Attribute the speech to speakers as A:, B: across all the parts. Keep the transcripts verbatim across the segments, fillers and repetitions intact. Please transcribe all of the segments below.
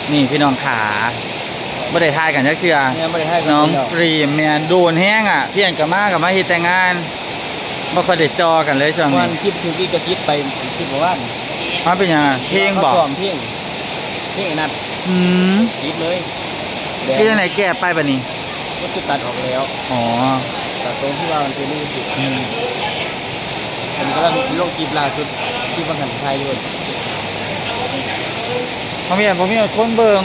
A: นี่พี่น้องขาบ่ได้ทายกันจักเทื่อ
B: เนี่ยไม่ได้ให้
A: น้องฟรีแม่นโดนแห้งอ่ะพี่อันก็มากับมาเฮ็ดแต่งานบ่ค่อยได้จอกันเลยช่วง
B: วั
A: นี้
B: นคลิปถูกอีกระซิบไปคลิปบอกว่า
A: มันเป็นหยังเพลงบ่
B: ซ้อมเพลงเพลงไอ้นัด
A: อืม
B: คลิปเลย
A: คือจังไดแก้ไปบัดนี้
B: ก็จะตัดออกแล้ว
A: อ๋อ
B: ตัดตรงที่ว่ามันเป็นนี่สิผมก็ลังลงคลิปล่าสุดที่บังคับไทยด้วย
A: บ่มีบ่มีคนเบิ่ง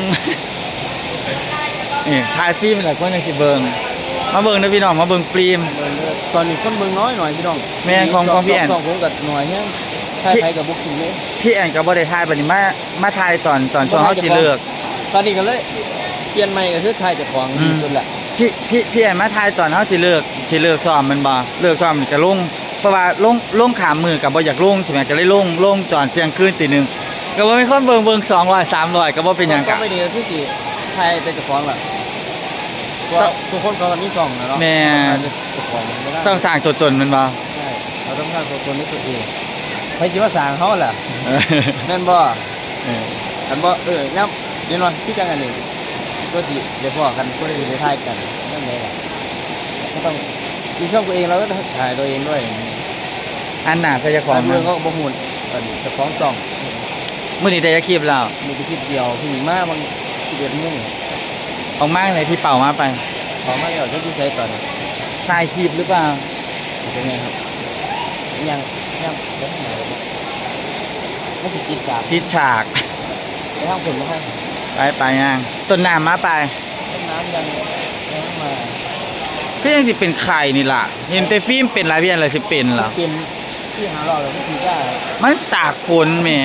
A: นี่ถ่ายฟิล์มหลายคนจังสิเบิ่งมาเบิ่งเด้อพี่น้องมาเบิ่งฟิล์ม
B: ตอนนี้คนเมืองน้อยหน่อยพี่น้อง
A: แม่นของของพี่แอน
B: สองผมกับหน่อยเนี่ยไทยไทยกับบุกกินเลย
A: พี่แอนก็บ่ได้ถ่ายบัดนี้มามาถ่ายตอนตอนช่วงเฮาสิเลิก
B: ตอนนี้กันเลยเปลี่ยนใหม่ก็คือไทยจากของดีสุดแหละ
A: พี่พี่พี่แอนมาถ่ายตอนเฮาสิเลิกสิเลิกซ้อมแมันบ่เลิกซ้อมนี่ก็ลงเพราะว่าลงลงขามมือก็บ่อยากลงใช่มั้ยก็เลยลงลงตอนเที่ยงคืนตีหนึ่งก็บ่มีคนเบิ่งเบิ่งสองร้อย สามร้อยก็บ่เป็นหยัง
B: ก็
A: กะ
B: ไม่ดีที่สิไทยแต่จากของแหละว่าทุกคนเขาก็มีสองนะเนาะจากของไม่ได้
A: ต้องสร้างตัวตนแมันบ่
B: ใช่เราต้องสร้างตัวตนในตัวเองใครสิว่าสร้างเขาแหละ
A: เออ
B: แม่นบ่
A: เออ
B: อันบ่เออยับเดี๋ยวหน่อยพี่จังอันนี้ก็สิเดี๋ยวพ่อกันก็ได้ได้ถ่ายกันนั่นแหละก็ต้องมีช่องตัวเองเราก็ถ่ายตัวเองด้วย
A: อันหน้าก็จะขอ
B: การ
A: ง
B: เมืองก็บ่หมุนตอนนี้จะฟ้องจ่อง
A: มื้อนี้ได้จะคลิปแล้ว
B: มีแต่คลิปเดียวผู้หญิงมาบางสิบเอ็ดโมง
A: ออกมาเลยพี่เป่ามาไป
B: ขอมาแล้วจะที่ใช้ตอนนี้
A: ถ่ายคลิปหรือเปล่า
B: เป็นไงครับยังยังเดี๋ยวไหนไม่สิกินจาก
A: ทิศฉาก
B: ไปห้างผลมาให้
A: ไปไปยังต้นน้ำมาไป
B: ต้นน้ำยังยังมา
A: พี่ยังสิเป็นไข่นี่ล่ะเห็นแต่ฟิล์มเป็นหลายเพียนเลยสิเป็นเหรอ
B: เป็นที่หาเราเลยไม่ทีได้
A: มันตากฝนแหม่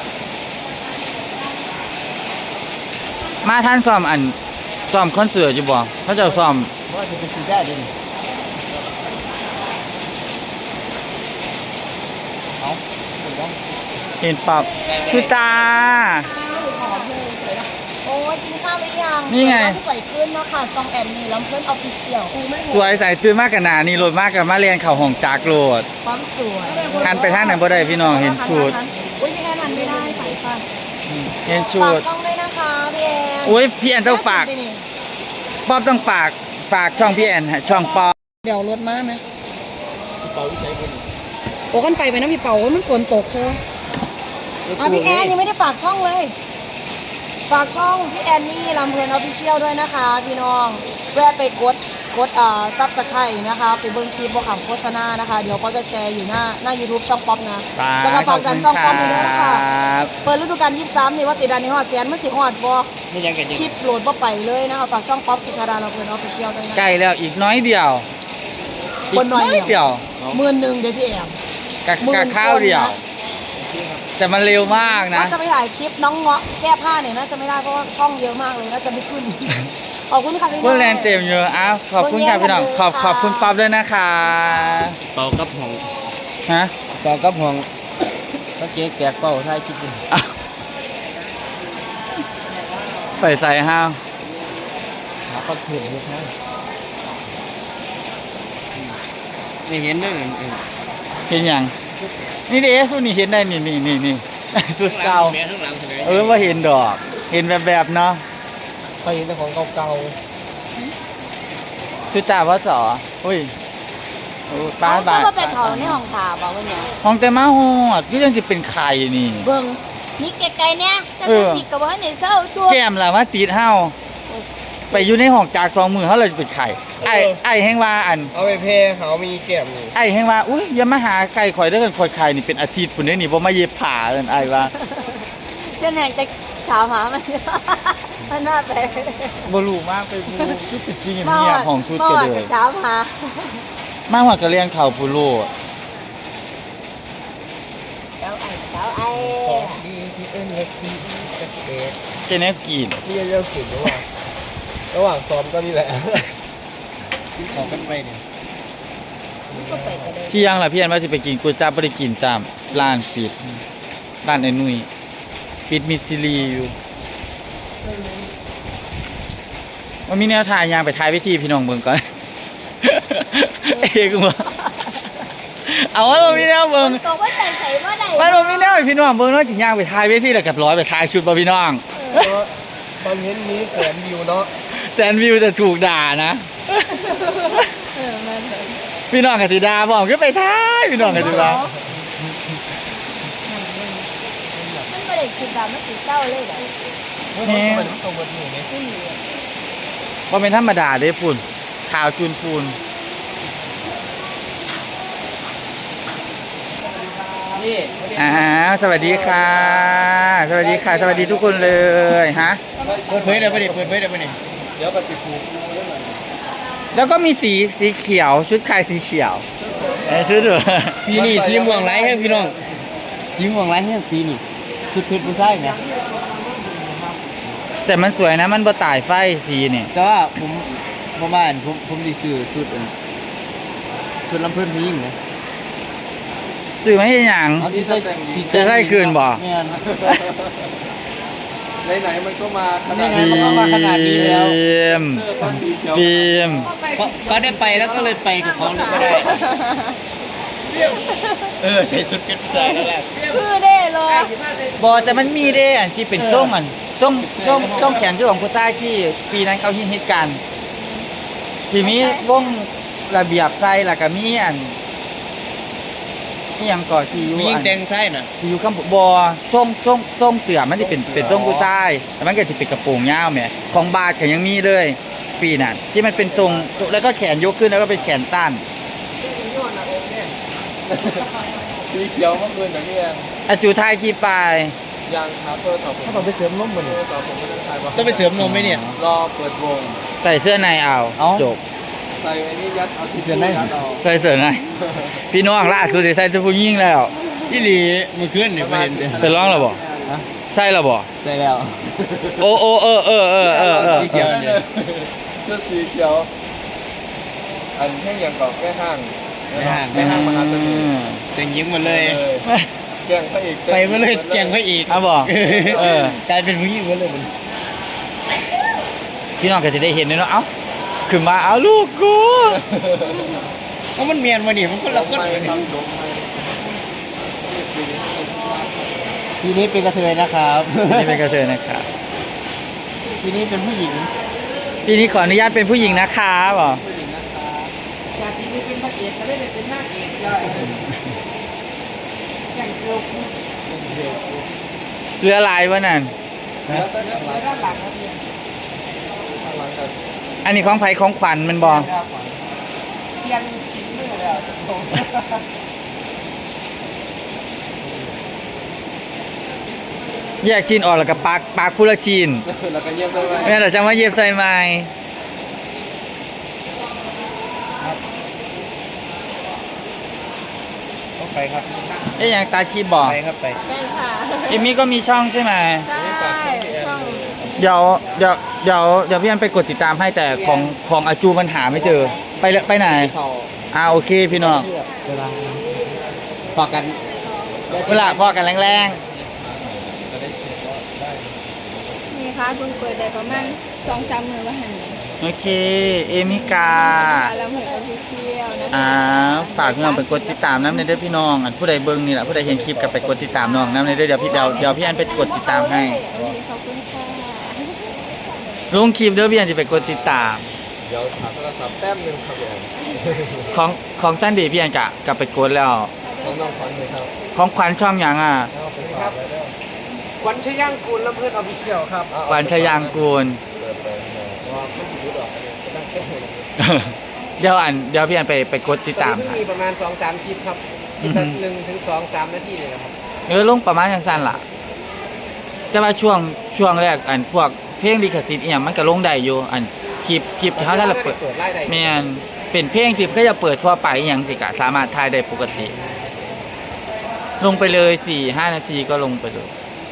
A: มาท่านซ้อมอันซ้อมคอนเสิร์ตอยู่บ่เขาเจะซ้อม
B: เพราะว่าจะเป็นทีได้ดิเอาถูกต้อง
A: เห็นปรับคือตา
C: โอ้ยกินข้าวหรือยัง
A: นี่ไง
C: สวยขึ้นเนาะค่ะซองแอนนี่ลำเพื่อนออฟฟิเชียล
A: สวยใส่ตื่นมากกันหนานี่โหลดมากกับมาเรียนเข่าห้องจากโหลด
C: ความสวย
A: หันไปทางไหนบ่ได้พี่น้องเห็นชุด
C: อุ้ยพี่แอนหันไม่ได้สายฟัน
A: เห็นชุ
C: ฝาก
A: ด
C: ช่องด้วยนะคะพี่แอน
A: โอ้ยพี่แอนต้องฝากป๊อบต้องฝากฝากช่องพี่แอนฮะช่องป๊อบ
C: เดี๋ยวรถมาไหม
B: พี่เปาวิชัยเป็น
C: โอ้กันไปไปนะพี่เป่าโอ้ยมันฝนตกเธออ่ะพี่แอนยังไม่ได้ฝากช่องเลย ฝากช่องพี่แอนนี่ลำเพลินออฟฟิเชียลด้วยนะคะ พี่น้องแวะไปกดกดอ่าซับสไครต์นะคะไปเบิ้งคลิปบอกคำโฆษณานะคะ เดี๋ยวก็จะแชร์อยู่หน้าหน้า YouTube ช่องป๊อปนะ แล้วก็ฝากดันช่องป๊อปด้วยนะคะ
A: บ
C: เปิดฤดูกาลยี่สิบสามนี่ว่าสีดานในหอดเสียนมันสิหอดบ่
B: ไม่ยังกันยัง
C: คลิปโหลดบ่ไปเลยนะคะฝากช่องป๊อปสุชาดาลำเพลินออฟฟิเชียลด้วยนะ
A: ใกล้แล้วอีกน้อยเดียว
C: คนน้อยเดียว
A: เดียว
C: หมื่นหนึ่งเดี๋ยวพี่แอม
A: กะ
C: หมื่น
A: กะข้าวเดียว
C: คนนะ
A: แต่มันเร็วมากนะ
C: ว่าจะไปถ่ายคลิปน้องเงาะแก้ผ้าเนี่ยน่าจะไม่ได้เพราะว่าช่องเยอะมากเลยน่าจะไม่ขึ้น ขอบคุณค่ะพี่
A: เพื่อนแรงเต็มเยอะอ้าวขอบคุณค่ะพี่น้องขอบขอบคุณป๊อบด้วยนะคะ
B: เปากับห้อง
A: ฮะ
B: เปากับห้องก็เก๊แตกเป้าท้ายคลิปนี่
A: อ้าวใส่ใส่ห้าว
B: หาก็เห็นอยู่นะนี่เห็นเด้อ
A: เห็นยังนี่เด้สุนี่เห็นได้นี่นี่นี่นี่ สุดเก่าเออว่าเห็นดอก เห็นแบบแบบๆเนาะ
B: เขาเห็นแต่ของเก่า
A: สุดจ่าว่าสออุ้ยโอ้ป้า
C: เขา
A: บา
C: ก็มาไปเผาในห้องผ่าบอกว่าเนี่ย
A: ห้องแต่มาหอดก็ยังจะเป็นไข่นี่
C: เบิ่งนี่ไกลๆเนี่ยจะ
A: เอ
C: จะ
A: อ
C: ผิดกับว่าในเศร้าตัว
A: แก้มล่ะว่าตีดเฮาไปอยู่ในห้องจากสองมือเขาเลยเป็นไข่ไอ้ไอ้แห้งว่าอัน
B: เอาไปเพเขามีแก้มนี่
A: ไอ้แห้งว่าอุ้ยอย่ามาหาไก่ข่อยเด้อกันข่อยไข่นี่เป็นอาทิตย์ปุ่นเด้อนี่บ่มาเย็บผ้าเอิ้นไอ้ว่า
C: เจะแหน่งจะถามหามันมันน่าไป
A: บ่รู้มากไปบูชุดจริงเงียบๆของชุด
C: เมื่
A: ก็
C: อวาน
A: เล
C: จะ
A: ย
C: ถามหา
A: มาหัวกระเลียงเข่าปูโล
C: เจ้าไอ้เจ้าไอ้
B: ดีที่เอ็นเอสซีสเตท
A: เจเนฟกิน
B: นี่เรื่องสิ่งระหว่างระหว่างซ้อมก็นี่แหละที่ขอกันไปเนี่ย
C: ก็ไปกันเลย
A: ที่ยังล่ะพี่อันว่าสิไปกินก๋วยจั๊บบ่ได้กินจ้ามร้านปิดร้านไอ้นุ่ยปิดมิดซิลีอยู่ว่ามีแนวทางยางไปท้ายวิธีพี่น้องเบิ่งก่อน เอกบ่เอาว่าบ่มีแนวเบิ่ง
C: ตกว่าใส่ใส่ว่าใด
A: มันบ่มีแนวให้พี่น้องเบิ่งเนาะสิย่างไปท้ายวิธีแล้วก็ร้อยไปท้ายชุดบ่พี่น้อง
B: ทคอนเทนต์นี้แสนวิวเนาะ
A: แซนวิวจะถูกด่านะ
C: เออแม่นเลย
A: พี่น้องกับสีดาบอกขึ้นไปท้ายพี่น้องกับสีดา
C: มันไม่ได้คือดำมันสีเศร้าเลยเหรอ
A: นี่
B: มันตรงบนหนูนี่
A: ว่าเป็นธรรมดาเด้ปุ่นข่าวจูนปูน
B: นี่
A: อ่าสวัสดีค่ะ สวัสดีค่ะ สวัสดีทุกคนเลยฮะ
B: เปิดเผยได้ปะเนี่ยเปิดเผยได้ปะเนี่ยเดี๋ยวกับสิคูคูเรื่องอะไร
A: แล้วก็มีสีสีเขียวชุดคลายสีเขียวเอ้ยชุดเหรอ
B: ปีนี้สีม่วงไร้แห้งพี่น้องสีม่วงไร้แห้งปีนี้ชุดเพชรผู้ชายเนี่ย
A: แต่มันสวยนะมันบ่ตายไฟสีนี่
B: แต่ว่าผมประมาณผมผมดีซื้อชุดอันชุดลำเพิ่นผู้หญิงนะ
A: ซื้อไม่ใช่หยัง
B: เอาที่ใส่สี
A: จะใส่คืนบ่
B: แม่น
D: ไหนๆมันก็มาขนา
B: นี่
D: ด
B: ไงมันก็มาขนาดนี้แล้ว
A: ฟิล์ม
D: เสื้อก็สีเขียว
A: ฟิล์ม
B: ก็ก็ได้ไปแล้วก็เลยไปกับเขาเลยก็ได้เออใส่ชุดเพชรผู้ชายแล้วแหละ
C: คือเด้เลย
A: บอแต่มันมีเด้อันที่เป็นส้มอันส้มส้มส้มแขนที่ของผู้ใต้ที่ปีนั้นเขาฮิตฮิตกันทีนี้วงระเบียบใจแล้วก็มีอันนี่ยังก่อที่อยู่
B: ผู้หญิง
A: อัน
B: แต่งไส้น่ะ
A: ที่อยู่ข้างบอส้มส้มส้มเสือมันจะเป็นเป็นส้มผู้ใต้แต่มันก็จะเป็นกระโปรงยาวแหมของบาทก็ยังมีเลย ปีนั้นที่มันเป็นทรงแล้วก็แขนยกขึ้นแล้วก็เป็นแขนตั้น
D: สีเขียวเมื่อคืนแต่พี่แอน
A: อาจูไทยกี่ปลาย
D: ยางคาเฟอร์ต่อผม
B: เขาต้องไปเสริมนมบ่
D: เอ
B: เนี่ย
D: อต่อผมไม่ต้องใช้ว่า
B: ต้องไปเสริมนมไหมเนี่ย
D: รอเปิดวง
A: ใส่เสื้อในเอา
B: เอ้า
A: จบ
D: ใส่อันนี้ยัดเอาที่
B: เสื้อใน
D: ยัดเอา
A: ใส่เสื้อในพี่น้องล่าสุดได้ใส่เสื้อผู้หญิงแล้ว
B: พี่หลีมือขึ้นเนี่ยไปเห็นเด้อ
A: เป็นร้องแล้วบ่ใส่แล้วบ่
B: ใส่แล้ว
A: โอ้โอ้เออเออเออเออเออ
B: สีเขียว
D: นั่นเลยเสื้อสีเขียว อันแค่ยังกอบแค่ห้างแค่ห้างมาครับตัวนี้
B: แต่งยิ้มหมดเลย
D: แกล้งพระเอก
B: ไปมาเลยแกงพระเอก
A: เอาบ่เออก
B: ลายเป็นผู้หญิงหมดเลยมัน
A: พี่น้องก็จะได้เห็นเลยเนาะเอ้าขึ้นมาเอาลูกกู
B: เพราะมันเมียนมาดิมันคนละคน
D: ไม่
B: เลย
D: ทำสมไม่
B: ทีนี้เป็นกระเทยนะครับ
A: นี่เป็นกระเทยนะครับ
B: ทีนี้เป็นผู้หญิง
A: ปีนี้ขออนุญาตเป็นผู้หญิงนะคะบ่
B: ผู้หญิงนะครับจากทีนี้เป็นพระเอกก็ได้เป็นนางเอกย่อยแกงเกลียวคู่
A: เรือลายวะนั่น
D: แล้วก็ด้านหลัง
B: ด้านหลังครับพี่
D: ด้านหลังกัน
A: อันนี้ของไผของขวัญมันบ่
B: เทียนทิ้งมือแล้ว
A: แยกจีนออกแล้วก็ปักปักผู้ละจีน
D: แล้วก็เยี่ยมได้ไหม
A: แม่แต่จะมาเย็บใส่ไม้
B: ต้องไปครับ
A: เอ๊ยยังตาคีบอก
B: ไปครับไป
C: ได้ค่ะ
A: เอมมี่ก็มีช่องใช่ไหม
C: ใช่ช่อง
A: เดี๋ยวเดี๋ยวเดี๋ยวเดี๋ยวพี่อันไปกดติดตามให้แต่ของของอาจูมันหาไม่เจอ ไปเลยไปไหน
D: เขา
A: อ่าโอเคพี่น้อง
B: เวลาพอกัน
A: เวลาพอกันแรง
E: นี่ค่ะเพิ่งเปิดได้ประมาณสองสามมือว่าหัน
A: ๆโอเค เอมิกา
E: แล้วเหมือนกับพี่เที่ยวนะคะ
A: อ่าฝากพี่น้องไปกดติดตามน้ำในเด้อพี่น้องอันผู้ใดเบิ่งนี่แหละผู้ใดเห็นคลิปกับไปกดติดตามน้องน้ำในเด้อเดี๋ยวพี่เดี๋ยวเดี๋ยวพี่อันไปกดติดตามให้
E: โอเคขอบคุณค่ะ
A: ลงคลิปเด้อพี่อันจะไปกดติดตาม
D: เดี๋ยวถามโทรศัพท์แป๊บนึงครับพี่แอน
A: ของของจันดีพี่อันกะกลับไปกดแล้ว
D: น้องน้องขวัญเลยครับ
A: ของขวัญช่องหยังอ่ะ
D: ครับ
B: ขวัญชย่างกูลและเพื่อนออฟฟิเชียลครับ
A: ขวัญชยางกูล
D: เปิดไปว่าไม่รู้หรอกตั้งแค่ไหน
A: เดี๋ยวอันเดี๋ยวพี่อันไปไปกดติดตาม
B: ตอนนี้
A: ให้
B: เพิ่งมีประมาณสองสามคลิปครับคลิปละหนึ่งถึงสองสามนาทีเลยนะครับ
A: เออลงประมาณอย่างสั้นล่ะแต่ว่าช่วงช่วงแรกอันพวกเพลงลิขสิทธิ์อีหยังมันก็ลงได้อยู่อันคลิปคลิปที่เขาถ้าเราเปิด
B: เปิดไล่ได้
A: แม่นเป็นเพลงที่ก็จะเปิดทั่วไปอหย่างสิกะสามารถถ่ายได้ปกติ ลงไปเลยสี่ห้านาทีก็ลงไปเลย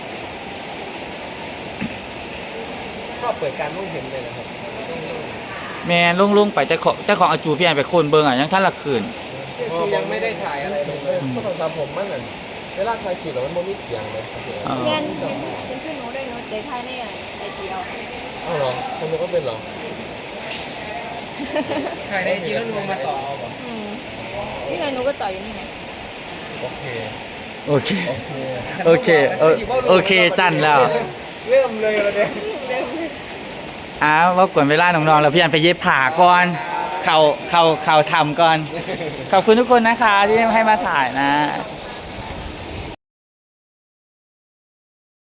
B: ก็เปิดการมองเห็นเลยนะครับ
A: แม่นลงลงไปแต่ของแต่ของอาจูพี่อันไปโคนเบิงอ่ะยังท่านละคืน
B: คือยังไม่ได้ถ่ายอะไรลงเลย
D: โทรศัพท์ผมมันเหมือนเวลาใครขี่รถมันไม่มีเสียงเลยครับพี่แอน
A: อ๋อ
E: เรียนเรียนเรียนขึ้นหนูด้วยหนูเจ๊ไทยเนี่ยไอเดียว
D: อ้าวเหรอคนนี้ก็เป็นเหรอ
B: ถ่ายในจีนแล้วลงมาต่อเอาเหรอ
E: อืมนี่ไงหนูก็ต่ออยู่นี่ไง
D: โอเค
A: โอเค
D: โอเค
A: โอเคเออโอเคจันแล้ว
B: เริ่มเลยเลย
E: เร็วเลย
A: อ้าวว่ากวนเวลาน้องๆแล้วพี่อันไปเย็บผ่าก่อนเขาเขาเขาทำก่อน ขอบคุณทุกคนนะคะที่ให้มาถ่ายนะ